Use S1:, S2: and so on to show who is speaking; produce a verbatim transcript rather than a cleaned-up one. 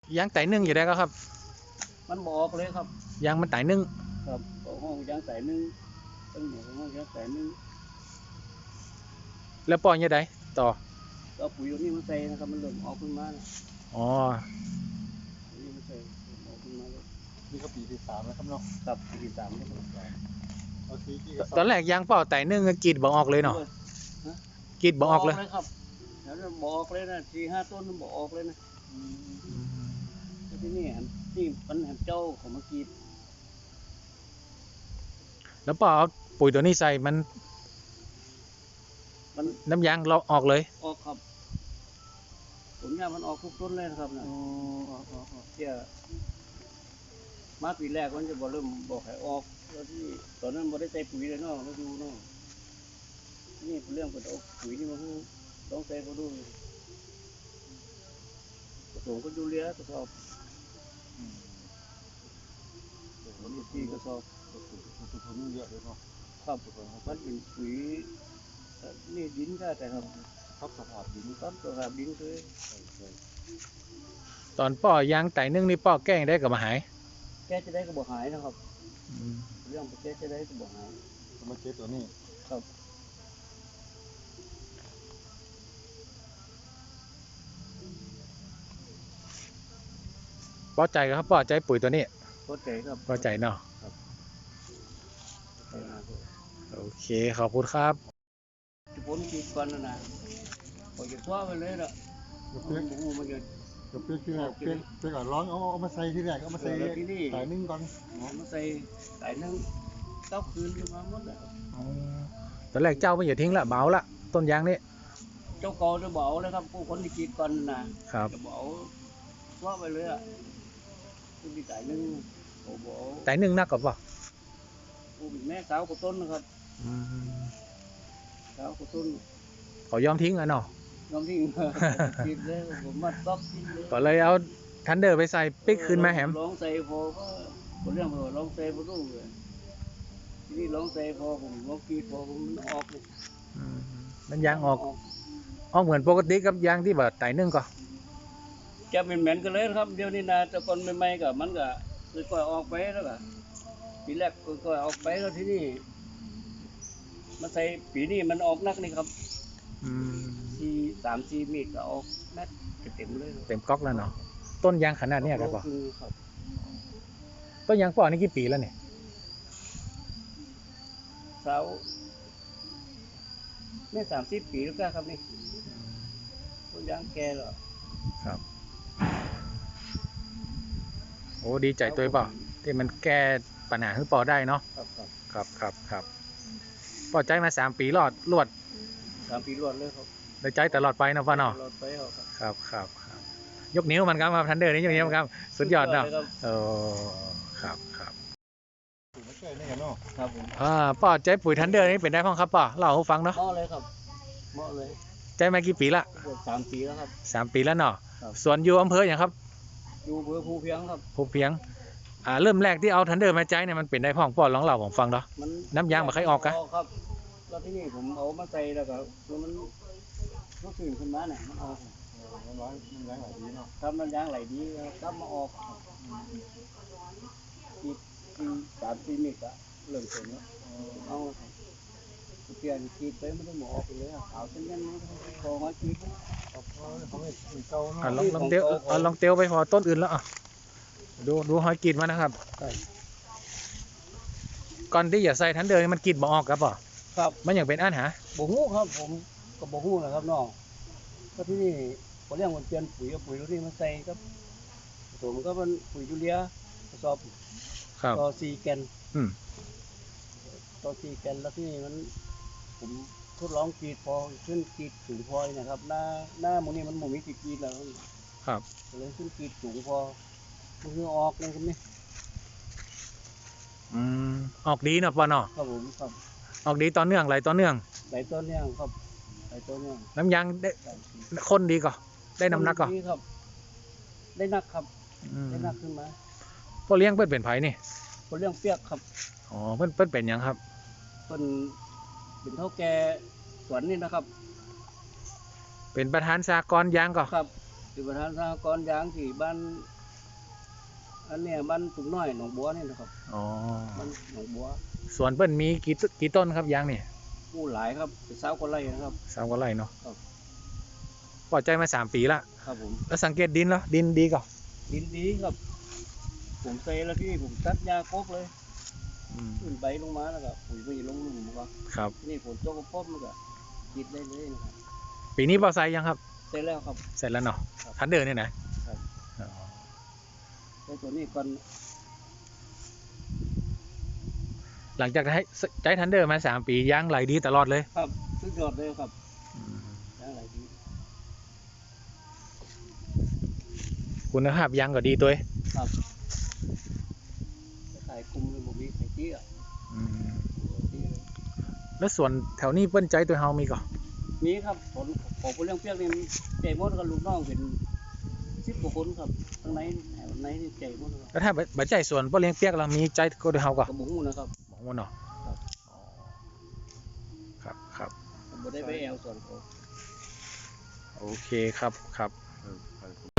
S1: ยางไต่นึ่งอยู่ได้ก็ครับ
S2: มันบอกเลยครับ
S1: ยางมันไต่นึ่ง
S2: ครับห้องยางไต่นึ่งตั้งหมดห้องยางไต่นึ่ง
S1: แล้วปล่อยยังไงต่อ
S2: ก็ปุ๋ยตัวนี้มันใส่นะครับมันเริ่มออกขึ้นมา
S1: อ๋อ
S2: นี่มันใส่ออกขึ้นมาแล้ว
S3: นี่ก็ปีที่สามแล้วครับเนาะ
S2: กับปีที่สามแล้ว
S1: ตอนแรกยางเปล่าไต่นึ่งกรีดบอกออกเลยเนาะกรีดบอกออกเลย
S2: ครับแล้วบอกเลยนะสี่ห้าต้นมันบอกออกเลยนะที่นี่ที่มันเห็นเจ้าของมากรีด
S1: แล้วปอเอาปุ๋ยตัวนี้ใส่มัน
S2: มัน
S1: น้ำยางเราออกเลย
S2: ออกครับผลงานมันออกทุกต้นเลยนะครับนะเจ้ามาปีแรกมันจะบอกเริ่มบอกให้ออกแล้วที่ตอนนั้นบ่ได้ใส่ปุ๋ยเลยเนาะมาดูเนาะนี่เรื่องของปุ๋ยนี่มันต้องใส่ก็ดูผสมก็ดูเลี้ยกระสอบมันมีที่กระสอบ
S3: ตัวนี้เยอะเลยเนาะ
S2: ครับมันเป็นปุ๋ยนี่ดินได้แต่ครับ
S3: ครับสภาพดิน
S2: ครับสภาพดินคือ
S1: ตอนป่อยางไต่นึ่งนี่ป่อแก้งได้กับมาหาย
S2: แก้จะได้ก็บอกหายนะครับเรื่องแก้จะได้ก็บอกหาย
S3: มาเก็บตัวนี้
S2: ครับ
S1: ป่อใจครับป่อใจปุ๋ยตัวนี้
S2: ป่อใจครับ
S1: ป่อใจเนาะโอเคขอบคุณครับ
S2: จะพ้นกินก่อนนะนะพอจะคว้าไปเลยละ
S3: เปี้ยกมันจะเปี้ยกที่แรกเปี้ยกเปี้ยกร้อนเอาเอามาใส่ที่แรกเอามาใส่ไต่นึ่งก่อน
S2: เอามาใส่ไต่นึ่งเต้าคืนขึ้นมาหมดแล้ว
S1: ตอนแรกเจ้าไม่อย่าทิ้งละเบาละต้นยางนี่
S2: เจ้าโกจะเบาเลยครับผู้คนที่กินก่อนนะครับจะเบาคว้าไปเลยอ่ะผู้ที่ไต่นึ่งโอ้โห
S1: ไต่นึ่งนักกับป่ะ
S2: ผู้แม่สาวกับต้นนะครับสาวกับต้น
S1: เขายอมทิ้งแล้วเนาะ
S2: ยอมทิ้งกินเลยผมมาต๊อกกินเลย
S1: ก็เลยเอาทันเดอร์ไปใส่ปิ๊กขึ้นมาแหม
S2: ลองใส่พอก็คนเรื่องพอลองใส่พอรู้เลยทีนี้ลองใส่พอผมลองกินพอผมมันออกเลย
S1: มันยางออกออกเหมือนปกติกับยางที่แบบไต่นึ่งก็
S2: จะเป็นเหม็นกันเลยครับเดี๋ยวนี้นะแต่คนใหม่ๆกับมันก็ค่อยๆออกไปแล้วก็ปีแรกค่อยๆออกไปแล้วที่นี่มันใส่ปีนี้มันออกนักนี่ครับสี่สามสี่เมตรก็ออกแมทเต็มเลย
S1: เต็มก๊อกแล้วเนาะต้นยางขนาดนี้ครับป่ะต้นยางป่อนี่กี่ปีแล้วเนี่ย
S2: สาวนี่สามสิบปีแล้วครับนี่ต้นยางแก่แล้ว
S1: ครับโอ้ดีใจตัวป่ะที่มันแก้ปัญหาให้ป่อได้เนาะครับครับครับป่อใจมาสามปีรอดรวด
S2: สามปีรวดเลยครับ
S1: ได้ใจตลอดไปนะป่ะเนาะครับครับครับยกนิ้วมันครับมาทันเดอร์นี่ยกนิ้วครับสุดยอดเนาะโอ้ครับครับ
S3: ไม่ใช่นี่กันเนาะ
S2: ครับผม
S1: อ่าป่อใจปุ๋ยทันเดอร์นี่เป็นได้พ้องครับป่อเล่าให้ฟังเนาะ
S2: เหมาะเลยครับเหมาะเลย
S1: ใจมากี่ปีละ
S2: สามปีแล้วครับ
S1: สามปีแล้วเนาะส่วนอยู่อำเภออย่างครับ
S2: อยู่อำเภอภูเพียงครับ
S1: ภูเพียงอ่าเริ่มแรกที่เอาทันเดอร์มาใจเนี่ยมันเป็นได้พ้องป่อลองเล่าผมฟังเนาะน้ำยางมาใครออกกะ
S2: ครับแล้วที่นี่ผมเอามาใส่แล้วก็มันรู้สึกขึ้นมาเนี่ยมันออก
S3: มันร้อนมันยางไหลดีเนาะ
S2: ครับมันยางไหลดีครับมาออกที่ที่สามสี่เมตรอะเริ่มเป็นแล้วเอาเปลี่ยนกีดไปไม่ได้หมอออกไปเลยขาวเส้นนั้นคอหัวกีด
S1: ลองลองเตี้ยวลองเตี้ยวไปพอต้นอื่นแล้วอ่ะดูดูหอยกีดมานะครับก่อนที่อย่าใส่ทันเดอร์มันกีดบ่ออกครับป่ะ
S2: ครับ
S1: มันอย่างเป็นอันหา
S2: บ่ฮู้ครับผมก็บ่ฮู้นะครับน้องก็ที่นี่พอเรื่องมันเปลี่ยนปุ๋ยกับปุ๋ยตัวนี้มันใส่ครับผมก็มันปุ๋ยยูเรียกระสอบต่อสี่แกนต่อสี่แกนแล้วที่นี่มันผมทดลองกรีดพอขึ้นกรีดสูงพอนะครับหน้าหน้ามันนี่มันหมุนมีติดกรีดแล้ว
S1: ครับ
S2: เลยขึ้นกรีดสูงพอมันคือออกเลยครับนี่
S1: อืมออกดีเนาะป่ะเนาะ
S2: ครับผมครับ
S1: ออกดีต่อเนื่องไหลต่อเนื่อง
S2: ไหลต่อเนื่องครับไหลต่อเนื่อง
S1: น้ำยางได้คนดีก็ได้น้ำหนักก็
S2: ครับได้นักครับได้นักขึ้นมา
S1: พ่อเลี้ยงเพื่อนเป็นไผ่นี่
S2: พ่อเลี้ยงเปียกครับ
S1: อ๋อเพื่อนเพื่อนเป็นยังครับ
S2: เพื่อนเป็นเท่าแก่สวนนี่นะครับ
S1: เป็นประธานสหกรณ์ยางก็
S2: ครับเป็นประธานสหกรณ์ยางที่บ้านอันเนี้ยมันตุ่มน้อยหนองบัวนี่นะครับ
S1: อ๋อ
S2: มันหนองบัว
S1: สวนเปิ้นมีกี่ต้นกี่ต้นครับยางนี่
S2: ผู้หลายครับเป็นสาวคนไรนะครับ
S1: สามกว่าไร่เนาะ
S2: ครับ
S1: พอใจมาสามปีละ
S2: ครับผม
S1: แล้วสังเกตดินแล้วดินดีก่อน
S2: ดินดีครับ ผมใส่แล้วที่ผมตัดยาครบเลย
S1: อืม
S2: ขึ้นใบลงมาแล้วก็ปุ๋ยไปลงหลุมก็
S1: ครับ
S2: นี่ฝนตกก็พบมันก็กินได้เลยนะครับ
S1: ปีนี้เบาไซยังครับ
S2: เสร็จแล้วครับ
S1: เสร็จแล้วเนาะ
S2: ครับ
S1: ทันเดอร์เนี่ยนะครับ อ๋อ
S2: ใช้ตัวนี้ก่อน
S1: หลังจากให้ใช้ทันเดอร์มาสามปียางไหลดีตลอดเลย
S2: ครับสุดยอดเลยครับ
S1: อืม
S2: อย่างไรดี
S1: คุณภาพยางก็ดีตัวเอง
S2: ครับขายคุมเลยผมมีขายเตี้ย
S1: อืม
S2: เตี้ยเลย
S1: แล้วส่วนแถวนี้เปิ้นใจตัวเฮามีก่อน
S2: มีครับผลของผู้เลี้ยงเปียกนี่ใจหมดกับลูกน้องเป็นสิบกว่าคนครับทั้งในแถวในนี่ใจหมดครับ
S1: แล้วถ้าบัดใจส่วนเปิ้นเลี้ยงเปียกเรามีใจก็ตัวเฮาก่อน
S2: กระบุงนะครับ
S1: มองว่าเนาะ
S2: ครับ
S1: อ๋อครับครับ
S2: ผมบ่ได้ไปแอลส่วนเขา
S1: โอเคครับครับ
S3: เออ